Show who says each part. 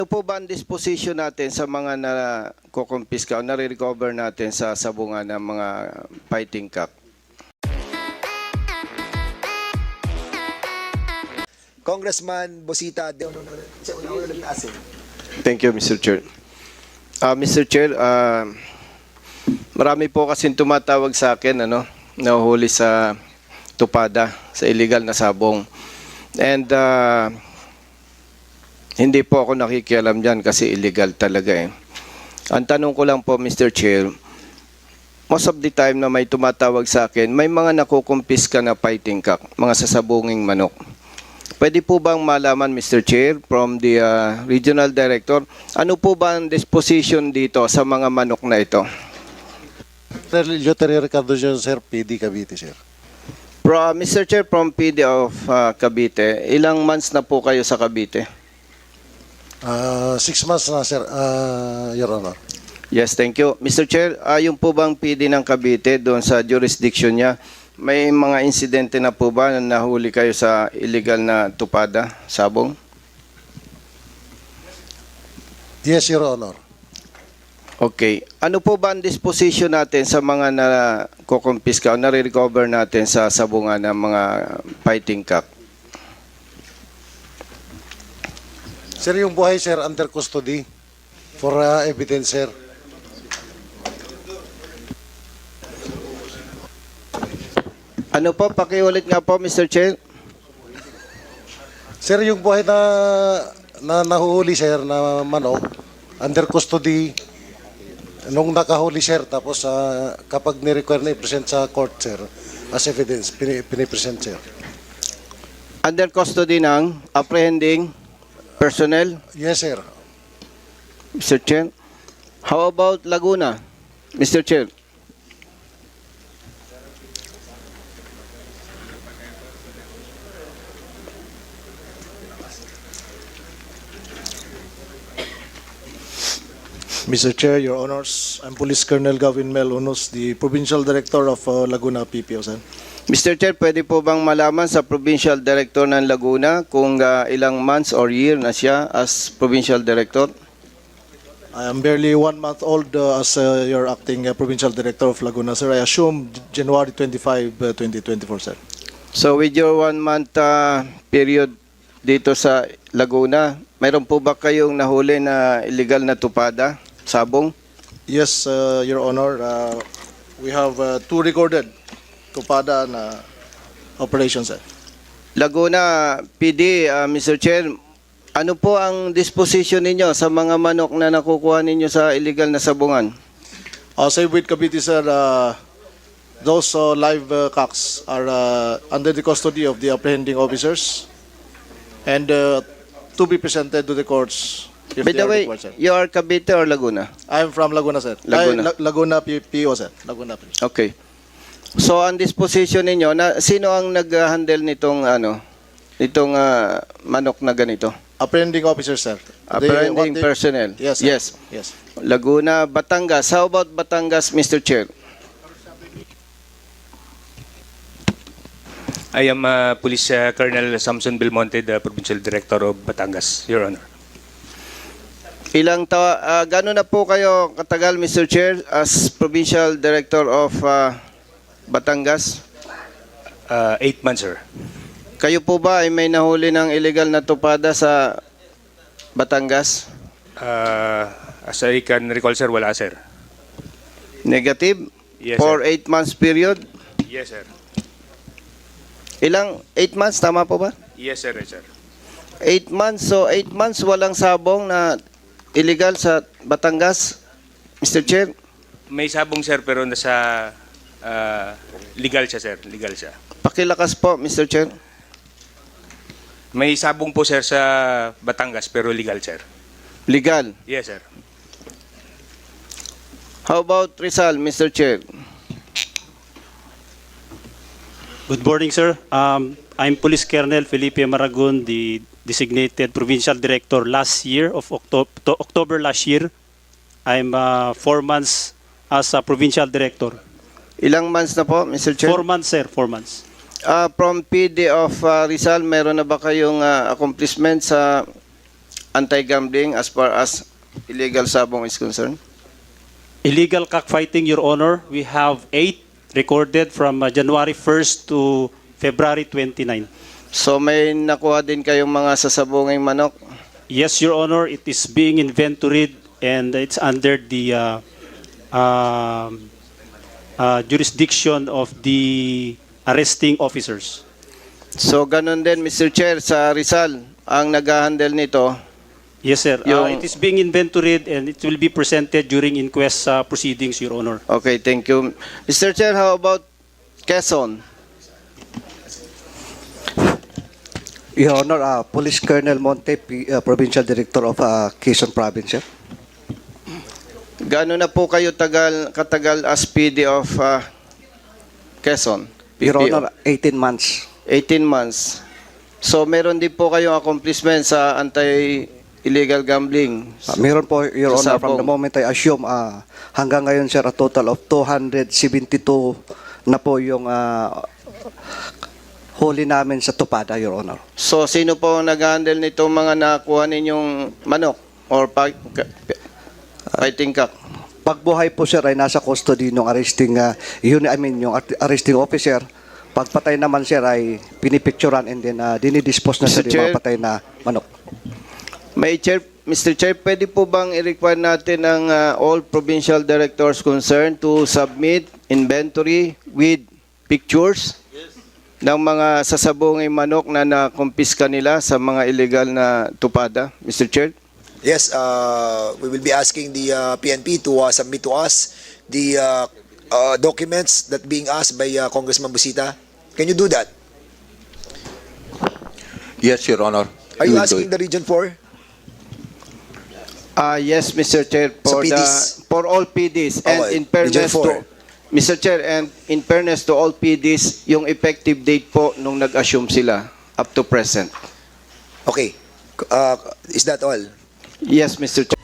Speaker 1: Ano po ba ang disposition natin sa mga na-kukumpiska o nare-recover natin sa sabungan ng mga fighting cock?
Speaker 2: Congressman Bosita.
Speaker 1: Thank you, Mr. Chair. Mr. Chair, marami po kasing tumatawag sa akin, nahuhuli sa tupada, sa illegal na sabong. And hindi po ako nakikialam dyan kasi illegal talaga eh. Ang tanong ko lang po, Mr. Chair, most of the time na may tumatawag sa akin, may mga nakukumpiska na fighting cock, mga sasabunging manok. Pwede po bang malaman, Mr. Chair, from the Regional Director, ano po ba ang disposition dito sa mga manok na ito?
Speaker 3: Lieutenant Ricardo John, sir, PD Cavite, sir.
Speaker 1: Mr. Chair, from PD of Cavite, ilang months na po kayo sa Cavite?
Speaker 3: 6 months na, sir, Your Honor.
Speaker 1: Yes, thank you. Mr. Chair, yung po bang PD ng Cavite doon sa jurisdiction niya, may mga insidente na po ba na nahuli kayo sa illegal na tupada, sabong?
Speaker 3: Yes, Your Honor.
Speaker 1: Okay. Ano po ba ang disposition natin sa mga na-kukumpiska o nare-recover natin sa sabungan ng mga fighting cock?
Speaker 3: Sir, yung buhay, sir, under custody for evidence, sir.
Speaker 1: Ano po? Pakiulit nga po, Mr. Chair.
Speaker 3: Sir, yung buhay na nahuhuli, sir, na manok, under custody, nung nakahuli, sir, tapos kapag ni-require na i-present sa court, sir, as evidence, pinipresent, sir.
Speaker 1: Under custody ng apprehending personnel?
Speaker 3: Yes, sir.
Speaker 1: Mr. Chair. How about Laguna? Mr. Chair.
Speaker 4: Mr. Chair, Your Honors, I'm Police Colonel Gavin Mel Unos, the Provincial Director of Laguna PPO, sir.
Speaker 1: Mr. Chair, pwede po bang malaman sa Provincial Director ng Laguna kung ilang months or year na siya as Provincial Director?
Speaker 4: I am barely 1 month old as your acting Provincial Director of Laguna, sir. I assume January 25, 2024, sir.
Speaker 1: So with your 1 month period dito sa Laguna, mayroon po ba kayong nahuli na illegal na tupada, sabong?
Speaker 4: Yes, Your Honor, we have 2 recorded tupada na operations, sir.
Speaker 1: Laguna PD, Mr. Chair, ano po ang disposition ninyo sa mga manok na nakukuha ninyo sa illegal na sabungan?
Speaker 4: Same with Cavite, sir, those live cocks are under the custody of the apprehending officers and to be presented to the courts if
Speaker 1: By
Speaker 4: they
Speaker 1: the
Speaker 4: are
Speaker 1: way,
Speaker 4: required, sir.
Speaker 1: you are Cavite or Laguna?
Speaker 4: I'm from Laguna, sir.
Speaker 1: Laguna.
Speaker 4: Laguna PO, sir. Laguna PO.
Speaker 1: Okay. So ang disposition ninyo, sino ang nag-handle nitong manok na ganito?
Speaker 4: Apprehending officer, sir.
Speaker 1: Apprehending personnel.
Speaker 4: Yes, sir.
Speaker 1: Yes.
Speaker 4: Yes.
Speaker 1: Laguna, Batangas. How about Batangas, Mr. Chair?
Speaker 5: I am Police Colonel Samson Belmonte, the Provincial Director of Batangas, Your Honor.
Speaker 1: Gano'n na po kayo katagal, Mr. Chair, as Provincial Director of Batangas?
Speaker 5: 8 months, sir.
Speaker 1: Kayo po ba ay may nahuli ng illegal na tupada sa Batangas?
Speaker 5: As I can recall, sir, wala, sir.
Speaker 1: Negative?
Speaker 5: Yes,
Speaker 1: For
Speaker 5: sir.
Speaker 1: 8 months period?
Speaker 5: Yes, sir.
Speaker 1: Ilang? 8 months? Tama po ba?
Speaker 5: Yes, sir, sir.
Speaker 1: 8 months. So 8 months walang sabong na illegal sa Batangas, Mr. Chair?
Speaker 5: May sabong, sir, pero nasa legal siya, sir. Legal siya.
Speaker 1: Pakilakas po, Mr. Chair.
Speaker 5: May sabong po, sir, sa Batangas, pero legal, sir.
Speaker 1: Legal.
Speaker 5: Yes, sir.
Speaker 1: How about Rizal, Mr. Chair?
Speaker 6: Good morning, sir. I'm Police Colonel Felipe Maragon, the designated Provincial Director last year of October last year. I'm 4 months as a Provincial Director.
Speaker 1: Ilang months na po, Mr. Chair?
Speaker 6: 4 months, sir. 4 months.
Speaker 1: From PD of Rizal, meron na ba kayong accomplishment sa anti-gambling as far as illegal sabong is concerned?
Speaker 6: Illegal cockfighting, Your Honor, we have 8 recorded from January 1st to February 29.
Speaker 1: So may nakuha din kayong mga sasabunging manok?
Speaker 6: Yes, Your Honor, it is being inventoried and it's under the jurisdiction of the arresting officers.
Speaker 1: So ganun din, Mr. Chair, sa Rizal, ang nag-handle nito.
Speaker 6: Yes, sir.
Speaker 1: Yung-
Speaker 6: It is being inventoried and it will be presented during inquest proceedings, Your Honor.
Speaker 1: Okay, thank you. Mr. Chair, how about Quezon?
Speaker 7: Your Honor, Police Colonel Monte, Provincial Director of Quezon Province. Sir.
Speaker 1: Gaano na po kayo katagal as PD of Quezon?
Speaker 7: Your
Speaker 1: PPO?
Speaker 7: Honor, 18 months.
Speaker 1: 18 months. So meron din po kayong accomplishment sa anti-illegal gambling.
Speaker 7: Meron po, Your
Speaker 1: Sa
Speaker 7: Honor, from the
Speaker 1: sabong.
Speaker 7: moment I assume, hanggang ngayon, sir, a total of 272 na po yung huli namin sa Tupada, Your Honor.
Speaker 1: So sino po nag-handle nitong mga nakuha ninyong manok or fighting cock?
Speaker 7: Pagbuhay po, sir, ay nasa custody ng arresting, yung arresting officer. Pagpatay naman, sir, ay pinipicturan and then dinidispose na, sir,
Speaker 1: Mr.
Speaker 7: yung
Speaker 1: Chair.
Speaker 7: mga patay na manok.
Speaker 1: Mr. Chair, pwede po bang i-require natin ang all provincial directors concerned to submit inventory with pictures ng mga sasabunging manok na nakumpiska nila sa mga illegal na tupada, Mr. Chair?
Speaker 2: Yes, we will be asking the PNP to submit to us the documents that being asked by Congressman Busita. Can you do that?
Speaker 8: Yes, Your Honor.
Speaker 2: Are
Speaker 8: We
Speaker 2: you
Speaker 8: will do
Speaker 2: asking
Speaker 8: it.
Speaker 2: the Region 4?
Speaker 1: Yes, Mr. Chair,
Speaker 2: Sa PDs.
Speaker 1: for all PDs and
Speaker 2: Okay,
Speaker 1: in fairness
Speaker 2: Region 4.
Speaker 1: to Mr. Chair, and in fairness to all PDs, yung effective date po nung nag-assume sila up to present.
Speaker 2: Okay. Is that all?
Speaker 1: Yes, Mr. Chair.